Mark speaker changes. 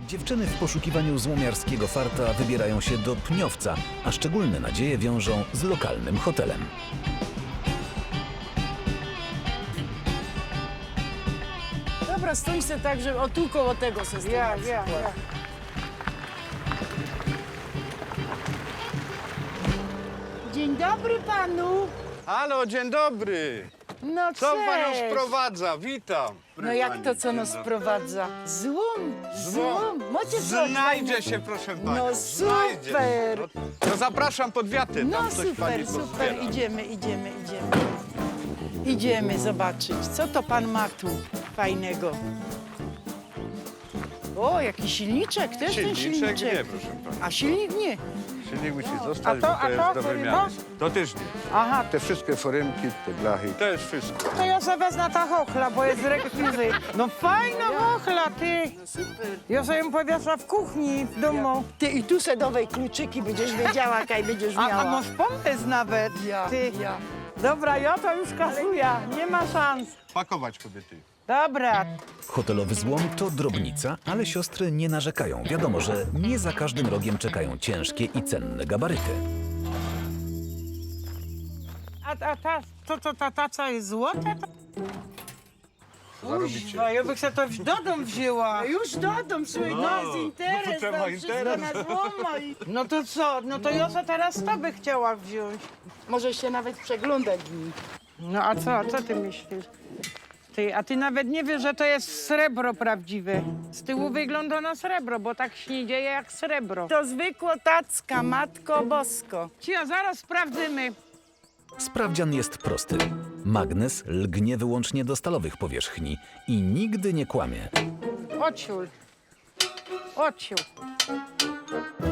Speaker 1: Dziewczyny w poszukiwaniu złomiarskiego farta wybierają się do Pniowca, a szczególne nadzieje wiążą z lokalnym hotelem.
Speaker 2: Dobra, stój se tak, że o tu koło tego se stoi.
Speaker 3: Ja.
Speaker 2: Dzień dobry panu.
Speaker 4: Halo, dzień dobry.
Speaker 2: No
Speaker 4: Co panią
Speaker 2: cześć.
Speaker 4: sprowadza? Witam.
Speaker 2: No jak to, co nas sprowadza? Złom. Macie coś?
Speaker 4: Znajdzie się, proszę panią.
Speaker 2: No
Speaker 4: znajdzie.
Speaker 2: super.
Speaker 4: No super pod wiatrem.
Speaker 2: No
Speaker 4: Tam coś pani
Speaker 2: super.
Speaker 4: pozbiera.
Speaker 2: Idziemy. Idziemy zobaczyć, co to pan ma tu fajnego. O, jaki silniczek, też ten
Speaker 4: Silniczek
Speaker 2: silniczek.
Speaker 4: nie, proszę pani.
Speaker 2: A silnik nie.
Speaker 4: Silnik musi zostać,
Speaker 3: A to-
Speaker 4: bo to
Speaker 3: a
Speaker 4: jest
Speaker 3: to,
Speaker 4: do
Speaker 3: który
Speaker 4: wymiany.
Speaker 3: to?
Speaker 4: To też nie.
Speaker 3: Aha,
Speaker 4: Te wszystkie foremki, te blachy. To jest wszystko.
Speaker 3: to ja sobie wezmę ta chochla, bo jest z rekwizyt. No fajna chochla, ty.
Speaker 2: Super.
Speaker 3: Ja sobie ją powiesza w kuchni, w domu.
Speaker 2: Ty i tu se dowej kluczyki będziesz wiedziała, kaj będziesz miała.
Speaker 3: A masz pomysł nawet, ty.
Speaker 2: Ja.
Speaker 3: Dobra, ja to już kasuję, nie ma szans.
Speaker 4: Pakować kobiety.
Speaker 3: Dobra,
Speaker 1: Hotelowy złom to drobnica, ale siostry nie narzekają. Wiadomo, że nie za każdym rogiem czekają ciężkie i cenne gabaryty.
Speaker 3: a ta taca jest złota?
Speaker 4: Zarobicie.
Speaker 3: Kuźwa, ja bych sobie to do domu wzięła.
Speaker 2: Już dodam, słuchaj,
Speaker 4: No,
Speaker 2: no, jest interes,
Speaker 4: no to trzeba
Speaker 2: tam wszystko
Speaker 4: interes.
Speaker 2: na złoma i...
Speaker 3: No to co? No to ja sobie teraz to by chciała wziąć.
Speaker 2: Możesz się nawet przeglądać w nim.
Speaker 3: No a co ty myślisz? A ty nawet nie wiesz, że to jest srebro prawdziwe. Z tyłu wygląda na srebro, bo tak się nie dzieje jak srebro.
Speaker 2: To zwykła tacka, matko bosko.
Speaker 3: Cia, zaraz sprawdzimy.
Speaker 1: Sprawdzian jest prosty. Magnes lgnie wyłącznie do stalowych powierzchni i nigdy nie kłamie.
Speaker 3: Odsiul.